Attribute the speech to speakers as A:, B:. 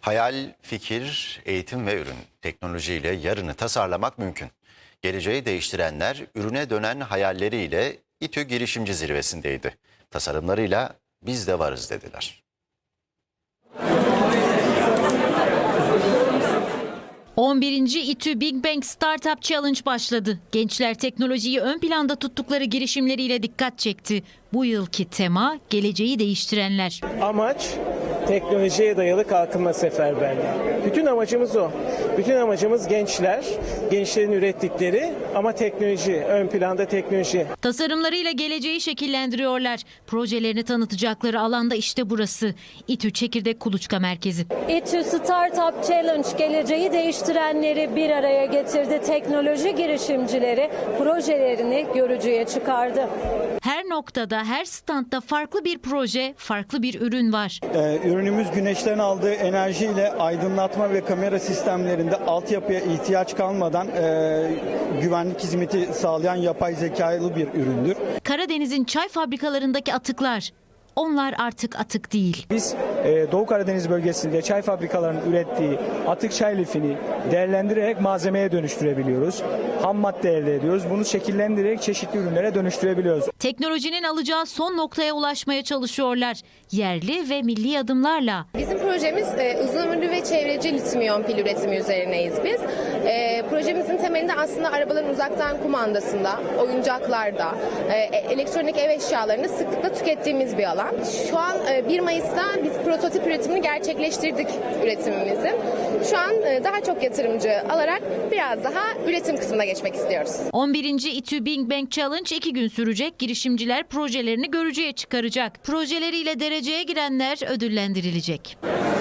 A: Hayal, fikir, eğitim ve ürün. Teknolojiyle yarını tasarlamak mümkün. Geleceği değiştirenler ürüne dönen hayalleriyle İTÜ Girişimci Zirvesi'ndeydi. Tasarımlarıyla biz de varız dediler.
B: 11. İTÜ Big Bang Startup Challenge başladı. Gençler teknolojiyi ön planda tuttukları girişimleriyle dikkat çekti. Bu yılki tema geleceği değiştirenler.
C: Amaç teknolojiye dayalı kalkınma seferberliği. Bütün amacımız o. Bütün amacımız gençler, gençlerin ürettikleri ama teknoloji, ön planda teknoloji.
B: Tasarımlarıyla geleceği şekillendiriyorlar. Projelerini tanıtacakları alanda işte burası. İTÜ Çekirdek Kuluçka Merkezi.
D: İTÜ Startup Challenge geleceği değiştirenleri bir araya getirdi. Teknoloji girişimcileri projelerini görücüye çıkardı.
B: Her noktada, her standta farklı bir proje, farklı bir ürün var.
E: Ürünümüz güneşten aldığı enerjiyle aydınlatma ve kamera sistemlerinde altyapıya ihtiyaç kalmadan güvenlik hizmeti sağlayan yapay zekalı bir üründür.
B: Karadeniz'in çay fabrikalarındaki atıklar. Onlar artık atık değil.
C: Biz Doğu Karadeniz bölgesinde çay fabrikalarının ürettiği atık çay lifini değerlendirerek malzemeye dönüştürebiliyoruz. Ham madde elde ediyoruz. Bunu şekillendirerek çeşitli ürünlere dönüştürebiliyoruz.
B: Teknolojinin alacağı son noktaya ulaşmaya çalışıyorlar. Yerli ve milli adımlarla.
F: Bizim projemiz uzun ömürlü ve çevreci lityum iyon pil üretimi üzerineyiz biz. Projemizin temelinde aslında arabaların uzaktan kumandasında, oyuncaklarda, elektronik ev eşyalarını sıklıkla tükettiğimiz bir alan. Şu an 1 Mayıs'ta biz prototip üretimini gerçekleştirdik üretimimizin. Şu an daha çok yatırımcı alarak biraz daha üretim kısmına geçmek istiyoruz.
B: 11. İTÜ Big Bang Challenge 2 gün sürecek. Girişimciler projelerini görücüye çıkaracak. Projeleriyle dereceye girenler ödüllendirilecek.